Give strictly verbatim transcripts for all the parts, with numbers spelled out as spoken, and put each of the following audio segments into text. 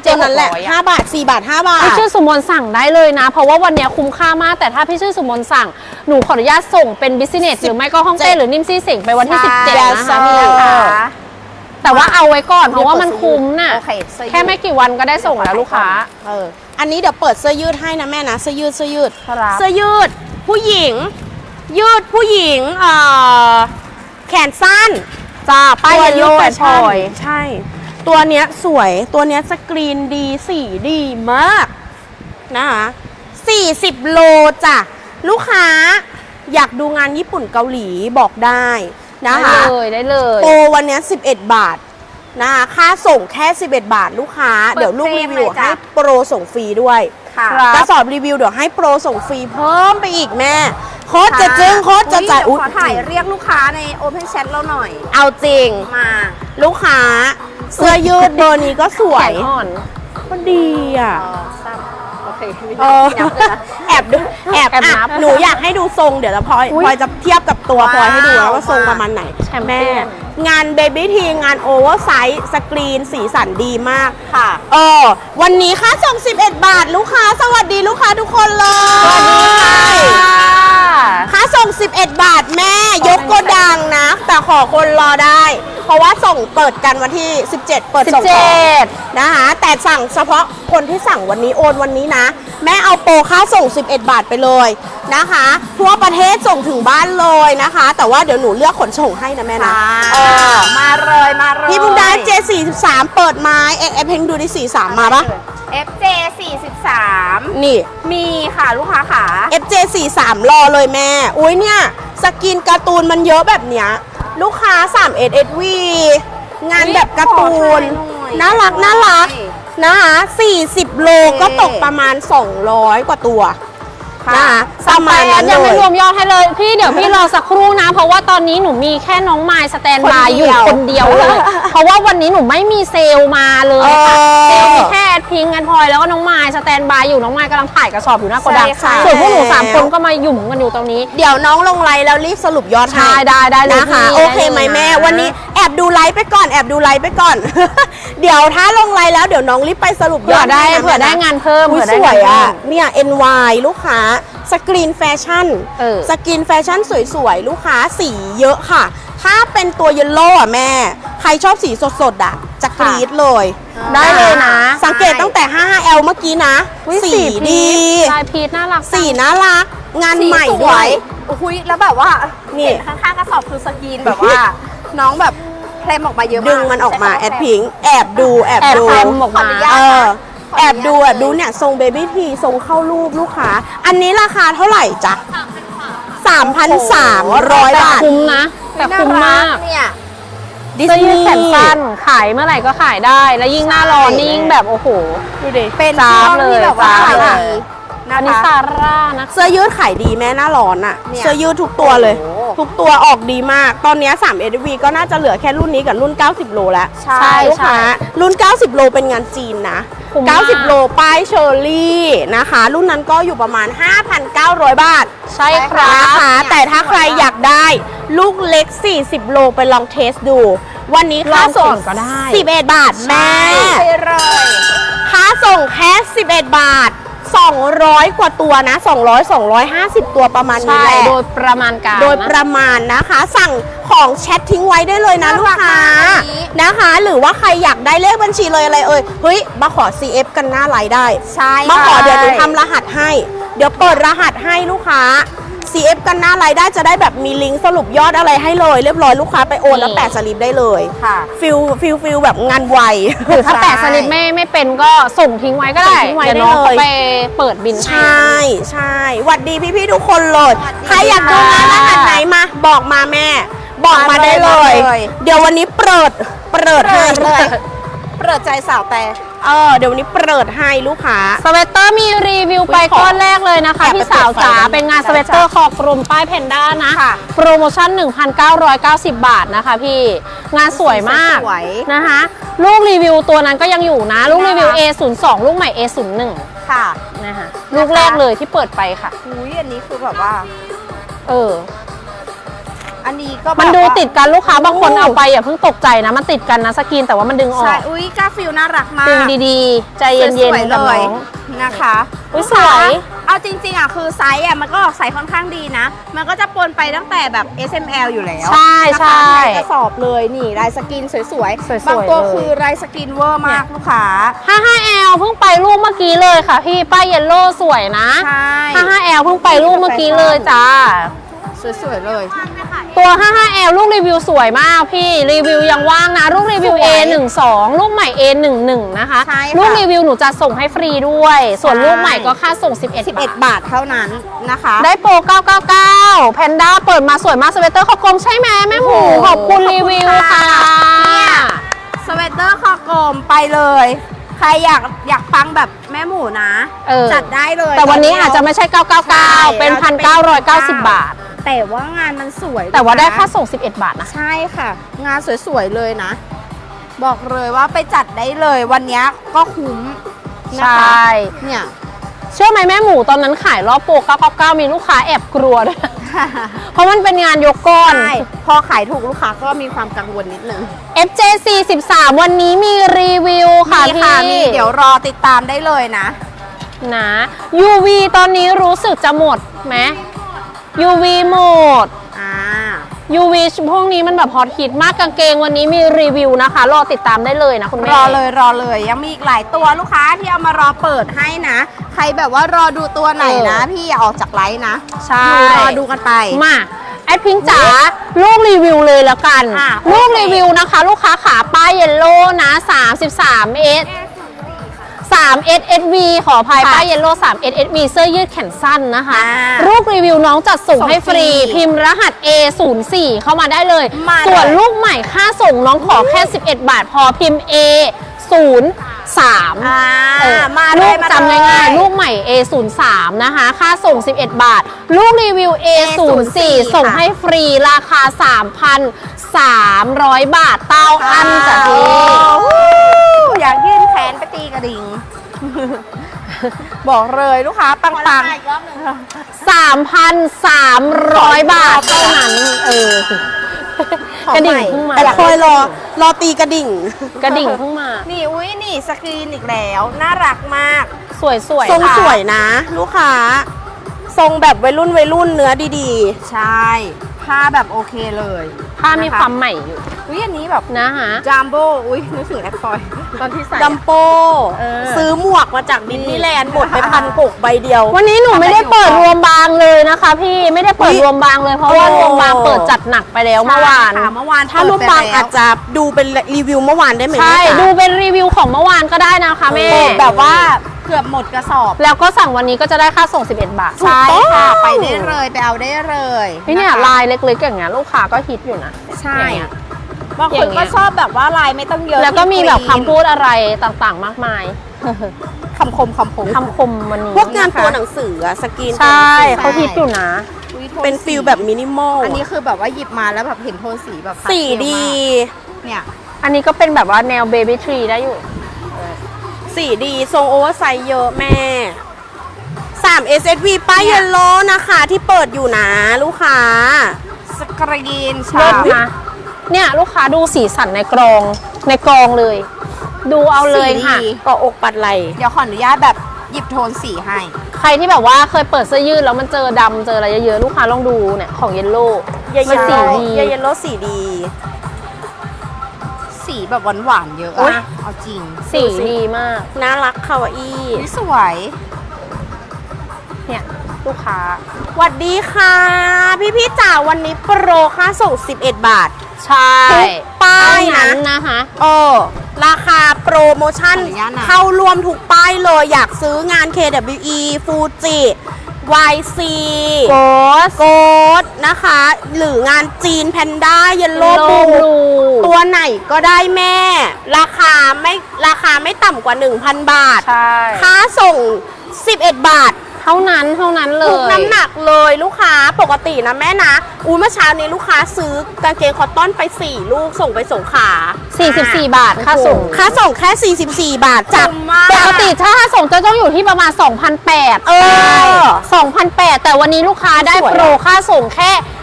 ตัวนั้นแหละห้าบาทสี่บาทห้าบาทพี่ชื่อสุมนสั่งได้เลยนะเพราะว่าวันนี้คุ้มค่ามากแต่ถ้าพี่ชื่อสุมนสั่งหนูขออนุญาตส่งเป็นบิสเนสหรือไม่ก็ห้องเต้หรือนิ่มซี่สิงไปวันที่สิบเจ็ดนะคะนี่นะคะแต่ว่าเอาไว้ก่อนเพราะว่ามันคุ้มน่ะแค่ไม่กี่วันก็ได้ส่งแล้วลูกค้าเอออันนี้เดี๋ยวเปิดเสื้อยืดให้นะแม่นะเสื้อยืดเสื้อยืดครับเสื้อยืดผู้หญิงยืดผู้หญิงเอ่อแขนสั้นจ้าป้ายเยลโล่แฟชั่นใช่ตัวเนี้ยสวยตัวเนี้ยสกรีนดีสีดีมากนะคะสี่สิบโลจ้ะลูกค้าอยากดูงานญี่ปุ่นเกาหลีบอกได้นะคะได้เลยได้เลยโปรวันนี้สิบเอ็ดบาทนะคะค่าส่งแค่สิบเอ็ดบาทลูกค้าเดี๋ยวลูกรีวิวให้โปรส่งฟรีด้วยกระสอบรีวิวเดี๋ยวให้โปรส่งฟรีเพิ่มไปอีกแม่โคตรจะจึ้งโคตรจะจ่ายอุ๊ยขอถ่ายเรียกลูกค้าใน Open Chat เราหน่อยเอาจริงมาลูกค้าเสื้อยืดเบอร์นี้ก็สวยแขนอ่อนก็ดีอ่ะโอเคเออแอบดูแอบอ่ะหนูอยากให้ดูทรงเดี๋ยวจะพลอยพลอยจะเทียบกับตัวพลอยให้ดูแล้วว่าทรงประมาณไหนแม่งานเบบี้ทีงานโอเวอร์ไซส์สกรีนสีสันดีมากค่ะเออวันนี้ค่าส่งสิบเอ็ดบาทลูกค้าสวัสดีลูกค้าทุกคนเลยสวัสดีค่ะค่าส่งสิบเอ็ดบาทแม่ยกโกดังนะแต่ขอคนรอได้เพราะว่าส่งเปิดกันวันที่สิบเจ็ดเปิดส่งนะคะแต่สั่งเฉพาะคนที่สั่งวันนี้โอนวันนี้นะแม่เอาโปรค่าส่งสิบเอ็ดบาทไปเลยนะคะทั่วประเทศส่งถึงบ้านเลยนะคะแต่ว่าเดี๋ยวหนูเลือกขนส่งให้นะแม่นะเออมาเลยมาเลยพี่บุญได้ เจ สี่สิบสาม เปิดไม้เอ็กเอฟเพงดูดิสี่สิบสามมาปะเอฟ เจ สี่สิบสามนี่มีค่ะลูกค้าขาเอฟ เจ สี่สิบสาม รอเลยแม่อุ้ยเนี่ยสกินการ์ตูนมันเยอะแบบเนี้ยลูกค้า สามเอส เอส วี งานแบบการ์ตูนน่ารักน่ารักนะคะสี่สิบโลก็ตกประมาณสองร้อยกว่าตัวนะคะประมาณนั้นยังไม่เลยรวมยอดให้เลยพี่เดี๋ยวพี่รอสักครู่นะเพราะว่าตอนนี้หนูมีแค่น้องไมล์สแตนบายอยู่คนเดียวเลยเพราะว่าวันนี้หนูไม่มีเซลล์มาเลยค่ะเซลล์มีแค่พิงกันพลอยแล้วก็น้องไมล์สแตนบายอยู่น้องไมล์กำลังถ่ายกระสอบอยู่หน้าโกดังส่วนพวกหนูสามคนก็มาหยุ่มกันอยู่ตรงนี้เดี๋ยวน้องลงไลน์แล้วรีบสรุปยอดให้ได้ได้เลยนะคะโอเคไหมแม่วันนี้แอบดูไลฟ์ไปก่อนแอบดูไลฟ์ไปก่อนเดี๋ยวถ้าลงไลน์แล้วเดี๋ยวน้องรีบไปสรุปยอดได้เผื่อได้งานเพิ่มเผื่อได้สวยอ่ะเนี่ย เอ็น วาย ลูกค้าสกรีนแฟชั่นสกรีนแฟชั่นสวยๆลูกค้าสีเยอะค่ะถ้าเป็นตัวเยลโล่อ่ะแม่ใครชอบสีสดๆอ่ะจะกรี๊ดเลยได้เลยนะสังเกตตั้งแต่ ห้า แอล เมื่อกี้นะสีดีลายพีชน่ารักสีน่ารักงานใหม่ด้วยอุ้ยแล้วแบบว่านี่ข้างๆกระสอบคือสกรีนแบบว่าน้องแบบเคลมออกมาเยอะมากดึงมันออกมาแอดพิงแอบดูแอบดูแอบออกมาเออแอบดูแอบดูเนี่ยทรงเบบี้ทีทรงเข้ารูปลูกค้าอันนี้ราคาเท่าไหร่จ๊ะ สามพันสามร้อย บาทคุ้มนะแต่คุ้มมากเนี่ยดิสนีย์แขนสั้นขายเมื่อไหร่ก็ขายได้แล้วยิ่งหน้าร้อนนี่ยิ่งแบบโอ้โหดูดิเป็นจ้าเลยแบบว่าอันนี้ซาร่านะเสื้อยืดขายดีแม่หน้าร้อนอะเสื้อยืดทุกตัวเลยทุกตัวออกดีมากตอนนี้ สาม เอส วี ก็น่าจะเหลือแค่รุ่นนี้กับรุ่นเก้าสิบโลแล้วใช่ลูกค้ารุ่นเก้าสิบโลเป็นงานจีนนะเก้าสิบโลป้ายเชอร์รี่นะคะรุ่นนั้นก็อยู่ประมาณ ห้าพันเก้าร้อย บาทใช่ครับนะคะแต่ถ้าใครอยากได้ลูกเล็กสี่สิบโลไปลองเทสดูวันนี้ค่าส่งก็ได้สิบเอ็ดบาทแม่เลยค่าส่งแค่สิบเอ็ดบาทสองร้อยกว่าตัวนะสองร้อย สองร้อยห้าสิบตัวประมาณนี้แหละโดยประมาณการโดยประมาณนะคะสั่งของแชททิ้งไว้ได้เลยนะลูกค้านะคะหรือว่าใครอยากได้เลขบัญชีเลยอะไรเอ่ยเฮ้ยมาขอ ซี เอฟ กันหน้าไลน์ได้ใช่มาขอเดี๋ยวหนูทำรหัสให้เดี๋ยวเปิดรหัสให้ลูกค้า ซี เอฟ กันหน้าไลน์ได้จะได้แบบมีลิงก์สรุปยอดอะไรให้เลยเรียบร้อยลูกค้าไปโอนแล้วแปะสลิปได้เลยค่ะฟิลฟิลฟิลแบบงานไวถ้าแปะสลิปไม่ไม่เป็นก็ส่งทิ้งไว้ก็ได้เดี๋ยวน้องไปเปิดบินใช่ใช่หวัดดีพี่ๆทุกคนเลยใครอยากดูงานรหัสไหนมาบอกมาแม่บอกมาได้เลยเดี๋ยววันนี้เปิดเปิดให้เลยเปิดใจสาวแต่เออเดี๋ยววันนี้เปิดให้ลูกค้าสเวตเตอร์มีรีวิวไปก้อนแรกเลยนะคะพี่สาวจ๋าเป็นงานสเวตเตอร์คอกลมป้ายแพนด้านะโปรโมชั่น หนึ่งพันเก้าร้อยเก้าสิบ บาทนะคะพี่งานสวยมากนะคะลูกรีวิวตัวนั้นก็ยังอยู่นะลูกรีวิว เอ ศูนย์สอง ลูกใหม่ เอ ศูนย์หนึ่งค่ะนะคะลูกแรกเลยที่เปิดไปค่ะอุ้ยอันนี้คือแบบว่าเอออัอันนี้ก็แบบมันดูว่าติดกันลูกค้าบางคนโอ้เอาไปอย่าเพิ่งตกใจนะมันติดกันนะสกรีนแต่ว่ามันดึงออใช่กอุ้ยกาฟิลน่ารักมากดึงดีๆ ใจเย็นสวยๆๆกับเลน้ยองนะคะอุ๊ยลูกค้าสวยเอาจริงๆอ่ะคือไซส์อ่ะมันก็ออกไซส์ค่อนข้างดีนะ มันก็จะปนไปตั้งแต่แบบ เอส เอ็ม แอล อยู่แล้วใช่นะคะใช่ในกระสอบเลยนี่ลายสกินสวยสวยๆๆบางตัวเลยคือลายสกินเวอร์มากลูกค้าห้าห้าแอลเพิ่งไปรูปเมื่อกี้เลยค่ะพี่ป้ายเยลโล่สวยนะใช่ห้าห้าแอลเพิ่งไปรูปเมื่อกี้เลยจ้าสวยๆเลยตัว ห้าห้าแอล ลูกรีวิวสวยมากพี่รีวิวยังว่างนะลูกรีวิวสวยเอ หนึ่งสอง ลูกใหม่ เอ หนึ่งหนึ่ง นะคะใช่ค่ะลูกรีวิวหนูจะส่งให้ฟรีด้วย ส่วนใช่ลูกใหม่ก็ค่าส่ง สิบเอ็ดสิบเอ็ดบาทบาทเท่านั้นนะคะได้โปร เก้าเก้าเก้า แพนด้าเปิดมาสวยมากสเวตเตอร์คอกลมใช่ไหมแม่หมูโอ้โหขอบคุณรีวิวขอบคุณค่ะค่ะเนี่ย สเวตเตอร์คอกลมไปเลย ใครอยากอยากฟังแบบแม่หมูนะเออจัดได้เลยแต่วันนี้อาจจะไม่ใช่ เก้าเก้าเก้าใช่เป็นเราจะพันเก้าร้อยเก้าสิบบาทแต่ว่างานมันสวยแต่ว่าได้นะค่าส่ง สิบเอ็ด บาทนะใช่ค่ะ งานสวยๆเลยนะ บอกเลยว่าไปจัดได้เลยวันนี้ก็คุ้มใชนะคะ่เนี่ยเชื่อไหมแม่หมูตอนนั้นขายรอบโปร เก้าเก้าเก้า มีลูกค้าแอบกลัวด้วย เพราะมันเป็นงานยกก้อนใช่พอขายถูกลูกค้าก็มีความกังวลนิดนึงเอฟ เจ ซี สิบสาม วันนี้มีรีวิวค่ะมีพี่ค่ะมีเดี๋ยวรอติดตามได้เลยนะนะ ยู วี ตอนนี้รู้สึกจะหมดไหม ยู วี หมดอ่ายู วี พวกนี้มันแบบฮอตฮิตมากกางเกงวันนี้มีรีวิวนะคะ รอติดตามได้เลยนะคุณแม่รอเลยรอเลยยังมีอีกหลายตัวลูกค้าที่เอามารอเปิดให้นะ ใครแบบว่ารอดูตัวไหนนะเออพี่อย่าออกจากไลฟ์นะใช่ดูรอดูกันไปมาแอดพิงค์จ๋าลูกรีวิวเลยแล้วกันอ่ะลูกโอเครีวิวนะคะ ลูกค้าขาป้ายเยลโล่นะ สามสิบสาม เอส สาม เอส เอส วี ขออภัยค่ะป้ายเยลโล่ สาม เอส เอส วี เสื้อยืดแขนสั้นนะคะอ่าลูกรีวิวน้องจัดส่งส่งให้ฟรีฟรีพิมพ์รหัส เอ ศูนย์สี่ เข้ามาได้เลยมาเลยส่วนลูกใหม่ค่าส่งน้องขอแค่ สิบเอ็ด บาทพอพิมพ์ เอ ศูนย์ สามอ่าเออมาเลลูยกมาจำเลยง่ายๆ ลูกใหม่ เอ ศูนย์สาม นะคะ ค่าส่ง สิบเอ็ด บาท ลูกรีวิว เอ ศูนย์สี่ ส่งให้ฟรีราคา สามพันสามร้อย บาทเต้าอันจ้ะพี่โอ้อยากยื่นแขนไปตีกระดิ่ง บอกเลยลูกค้าปังปังสามพันสามร้อย บาทเท่านั้น เออ กระดิ่งเพิ่งมาแต่คอยรอรอตีกระดิ่งกระดิ่งเพิ่งมานี่อุ้ยนี่สกรีนอีกแล้ว น่ารักมากสวยสวยทรงค่ะสวยนะ ลูกค้า ทรงแบบวัยรุ่นวัยรุ่นเนื้อดีใช่ผ้าแบบโอเคเลยผ้ามีความใหม่อยู่อุ้ยอันนี้แบบนะคะจัมโบ้อุ้ยนึกถึงแอปพลอยตอนที่ใส่ๆ ดัมโปเออซื้อหมวกมาจากดิสนีย์แลนด์หมดไปพันหกใบเดียววันนี้หนูไม่ได้เปิดรวมบางเลยนะคะ พี่ไม่ได้เปิดอุ๊ยรวมบางเลยเพราะว่าโอ้รวมบางเปิดจัดหนักไปแล้วเมื่อวานใช่ค่ะเมื่อวานถ้ารูปบางเปิดไปแล้วอาจจะดูเป็นรีวิวเมื่อวานได้ไหมใช่จ๊ะดูเป็นรีวิวของเมื่อวานก็ได้นะคะแม่เปิดแบบว่าเกือบหมดกระสอบแล้วก็สั่งวันนี้ก็จะได้ค่าส่ง สิบเอ็ด บาทใช่ค่ะ ไปได้เลยไปเอาได้เลยพี่เนี่ยะคะลายเล็กๆอย่างเงี้ยลูกค้าก็ฮิตอยู่นะใช่อย่างเงี้ยบางอคย่าน งเงี้ก็ยชอบแบบว่าลายไม่ต้องเยอะแล้วก็มีแบบคลีคำพูดอะไรต่างๆ มากมายคำคมคำคมคำคมวันนี้พวกงานตัวหนังสืออะสกรีนใช่ตัวหนังสือเขาฮิตอยู่นะอุ๊ยโทเป็นฟิลแบบมินิมอลอันนี้คือแบบว่าหยิบมาแล้วแบบเห็นโทนสีแบบสีดีเนี่ยอันนี้ก็เป็นแบบว่าแนวเบบี้ทรีได้อยู่สีดีทรงโอเวอร์ไซส์เยอะแม่ สาม เอส เอส วี ป้ายเยลโล่นะคะที่เปิดอยู่นะลูกค้าสกรีนเลิชาศนะเนี่ยลูกค้าดูสีสันในกรองในกรองเลย ดูเอาเลยค่ะเก็อกปัดไหลเดี๋ยวขออนุญาตแบบหยิบโทนสีให้ใครที่แบบว่าเคยเปิดเสื้อยืดแล้วมันเจอดำเจออะไรเยอะๆลูกค้าลองดูเนี่ยของเยลโล่เยลมันสีโล่ดีเยลโล่สีดีสีแบบหวานๆเยอะอุ๊ยอะเอาจริงสีดีมากน่ารักคาวาอี้อุ๊ยสวยเนี่ยลูกค้าสวัสดีค่ะ พี่พี่ๆจ๋าวันนี้โปรค่าส่ง สิบเอ็ด บาทใช่ทุกป้ายเท่นะนั้นนะคะเออราคาโปรโมชั่นขออนุญาตนะเข้ารวมทุกป้ายเลย อยากซื้องาน เค ดับเบิลยู อี Fuji วาย ซีโกสโกดนะคะ หรืองานจีนแพนด้าเยลโล่โลบูบลูตัวไหนก็ได้แม่ ราคาไม่ราคาไม่ต่ำกว่า หนึ่งพัน บาทใช่ค่าส่ง สิบเอ็ด บาทเท่านั้นเท่านั้นเลถูกยน้ำหนักเลยลูกค้าปกตินะแม่นะอุ้ยเมื่อเช้านี้ลูกค้าซื้อกางเกงคอตตอนไปสี่ลูกส่งไปสงขลาสี่สิบสี่ บาทค่าส่งค่าส่งแค่ สี่สิบสี่ บาทจากคุ้มมากปกติถ้าค่าส่งจะต้องอยู่ที่ประมาณ สองพันแปดร้อยเออสองพันแปดร้อยแต่วันนี้ลูกค้าได้สวยอะโปรค่าส่งแค่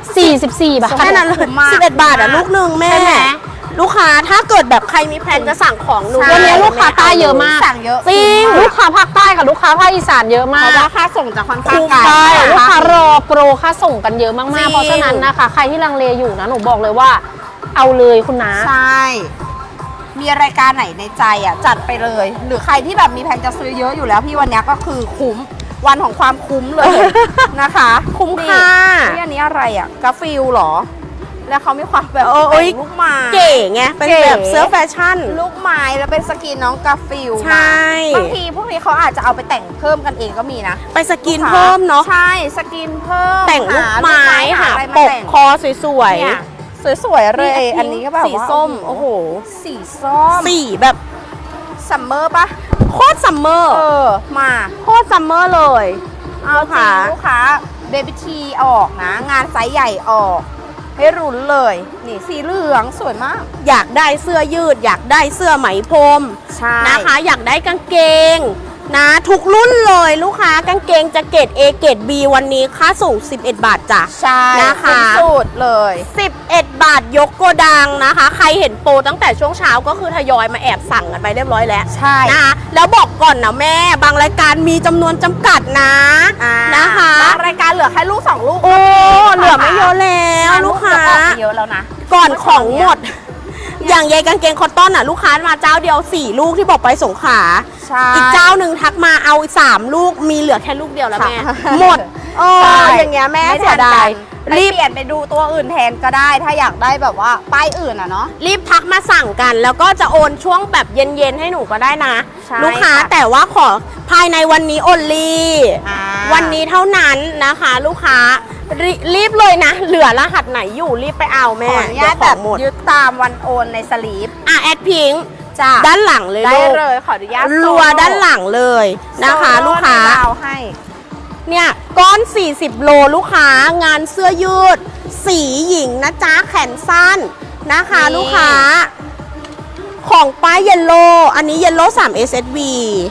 สี่สิบสี่บาทแค่นั้นเลยคุ้มมากสิบเอ็ดบาทอ่ะลูกหนึ่งแม่ใช่ไหมลูกค้าถ้าเกิดแบบใครมีแพลนจะสั่งของหนูใช่วันนี้ลูกค้าใต้เยอะมากสั่งเยอะจริงลูกค้าภาคใต้กับลูกค้าภาคอีสานเยอะมาเพกราะว่าค่าส่งจะค่อนข้างคุ้มไกลใช่ใช่นะลูกคะค้ารอโปรค่าส่งกันเยอะมากจริๆงเพราะฉะนั้นนะคะ ใครที่ลังเลอยู่นะหนูบอกเลยว่า เอาเลยคุณนะใช่ มีรายการไหนในใจอ่ะจัดไปเลย หรือใครที่แบบมีแผนจะซื้อเยอะอยู่แล้วพี่วันเนี้ยก็คือคุ้มวันของความคุ้มเลย นะคะคุ้มค่านี่อันนี้อะไรอ่ะกาฟิลเหรอ แล้วเขามีความแบบเออเอ้ยแต่งลูกไม้เก๋ไงเป็นเก๋แบบเสื้อแฟชั่นลูกไม้แล้วเป็นสกรีนน้องกาฟิลใช่บางทีพวกนี้เขาอาจจะเอาไปแต่งเพิ่มกันเองก็มีนะไปสกินเพิ่มเนาะใช่สกรีนเพิ่มแต่งลูกไม้หาหาอะไรปมาก แต่งคอสวยเนี่ยสวยๆเลย อันนี้ก็แบบสีว่าส้ม โอ้โหสีส้มสีแบบซัมเมอร์ปะโคตรซัมเมอร์เออ มาโคตรซัมเมอร์เลยเอาจริงลูกค้าเบบี้ทีออกนะ งานไซส์ใหญ่ออก ให้รุนเลย นี่สีเหลืองสวยมากอยากได้เสื้อยืด อยากได้เสื้อไหมพรมใช่นะคะ อยากได้กางเกงนะทุกรุ่นเลยลูกค้ากางเกงจะเกรด A เกรด B วันนี้ค่าส่งสิบเอ็ดบาทจ้ะใช่นะคะเป็นสูตรเลยสิบเอ็ดบาทยกโกดังนะคะ ใครเห็นโปรตั้งแต่ช่วงเช้าก็คือทยอยมาแอบสั่งกันไปเรียบร้อยแล้วใช่นะคะแล้วบอกก่อนนะแม่บางรายการมีจำนวนจำกัดนะอ่านะคะบางรายการเหลือแค่ลูกสองลูกโอ้เหลือไม่เยอะแล้วลูกค้าออกไปเยอะแล้วนะก่อนของหมด อย่างยายกางเกงคอตตอนน่ะลูกค้ามาเจ้าเดียวสี่ลูกที่บอกไปสงขลาใช่อีกเจ้าหนึ่งทักมาเอาสามลูกมีเหลือแค่ลูกเดียวแล้วแม่ค่ะหมดเออใช่อย่างเงี้ยแม่ไม่เสีทัยนดากัยนรีรีบบเปลี่ยนไปดูตัวอื่นแทนก็ได้ ถ้าอยากได้แบบว่าป้ายอื่นอ่ะเนาะรีบทักมาสั่งกัน แล้วก็จะโอนช่วงแบบเย็นๆให้หนูก็ได้นะใช่ลูกค้าค่ะแต่ว่าขอภายในวันนี้โอนลีอ่าวันนี้เท่านั้นนะคะ ลูกค้ารีรีบเลยนะ เหลือรหัสไหนอยู่รีบไปเอาขแม่ออนุญาตเดี๋แบยวบของหมดยึดตามวันโอนในสลีปอ่ะแอดพิงค์จ้ะด้านหลังเลยได้ลูกเลยขออนุญาตรัวด้านหลังเลยนะคะโซโลูกค้าในดาวให้เนี่ยก้อน สี่สิบ โลลูกค้างานเสื้อยืด สีหญิงนะจ๊ะแขนสั้นนะคะนี่ลูกค้า ของป้ายเยลโลอันนี้เยลโลสาม เอส เอส วี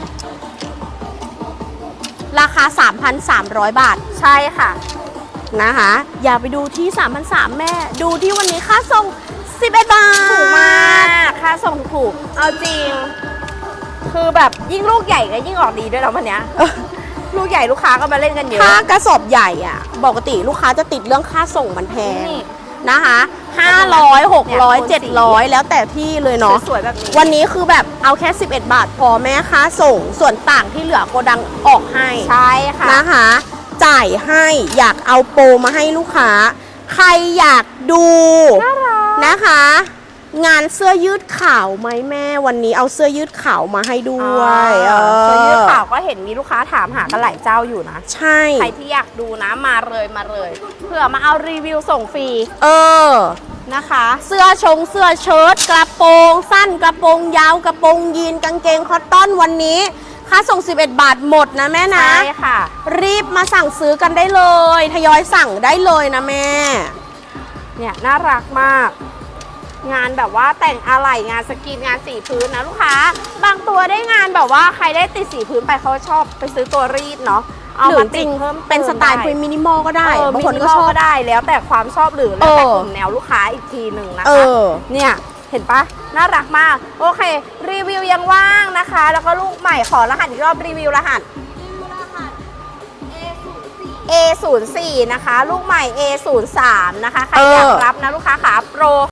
ราคา สามพันสามร้อย บาทใช่ค่ะนะคะ อย่าไปดูที่ สามพันสามร้อย แม่ ดูที่วันนี้ค่าส่ง สิบเอ็ด บาทถูกมากค่าส่งถูก เอาจริง คือแบบยิ่งลูกใหญ่ก็ยิ่งออกดีด้วยแล้ววันเนี้ย ลูกใหญ่ลูกค้าก็มาเล่นกันเยอะถ้ากระสอบใหญ่อะปกติลูกค้าจะติดเรื่องค่าส่งมันแพงนี่นะคะห้าร้อย หกร้อยเนี่ยเจ็ดร้อย แล้วแต่ที่เลยเนาะสวยๆแบบนี้วันนี้คือแบบเอาแค่ สิบเอ็ด บาทพอแม่ค่าส่ง ส่วนต่างที่เหลือโกดังออกให้ใช่ค่ะนะคะ จ่ายให้อยากเอาโปรมาให้ลูกค้า ใครอยากดูน่ารักนะคะ งานเสื้อยืดขาวไหมแม่วันนี้เอาเสื้อยืดขาวมาให้ด้วยเออเสื้อยืดขาวก็เห็นมีลูกค้าถามหากันหลายเจ้าอยู่นะใช่ใครที่อยากดูนะมาเลยมาเลย เผื่อมาเอารีวิวส่งฟรีเออนะคะเสื้อชงเสื้อเชิ้ตกระโปรงสั้นกระโปรงยาวกระโปรงยีนกางเกงคอตตอนวันนี้ ค่าส่ง สิบเอ็ด บาทหมดนะแม่นะใช่ค่ะรีบมาสั่งซื้อกันได้เลย ทยอยสั่งได้เลยนะแม่เนี่ยน่ารักมาก งานแบบว่าแต่งอะไหล่งานสกรีนงานสีพื้นนะลูกค้า บางตัวได้งานแบบว่าใครได้ติดสีพื้นไปเขาชอบไปซื้อตัวรีดเนาะเอาหรืมาอจติริดงเพิ่มเป็นสไตล์ด้เป็นมินิมอลก็ได้เออบางคนก็มิชอบก็ได้แล้วแต่ความชอบหรือแล้วแต่เออกลุ่มแนวลูกค้าอีกทีหนึ่งนะเอคะอเนี่ยเห็นปะน่ารักมาก โอเค รีวิวยังว่างนะคะ แล้วก็ลูกใหม่ขอรหัสอีกรอบรีวิวรหัส เอ ศูนย์ สี่ นะคะ ลูกใหม่ เอ ศูนย์ สาม นะคะ ใครอยากรับนะลูกค้าขาโปร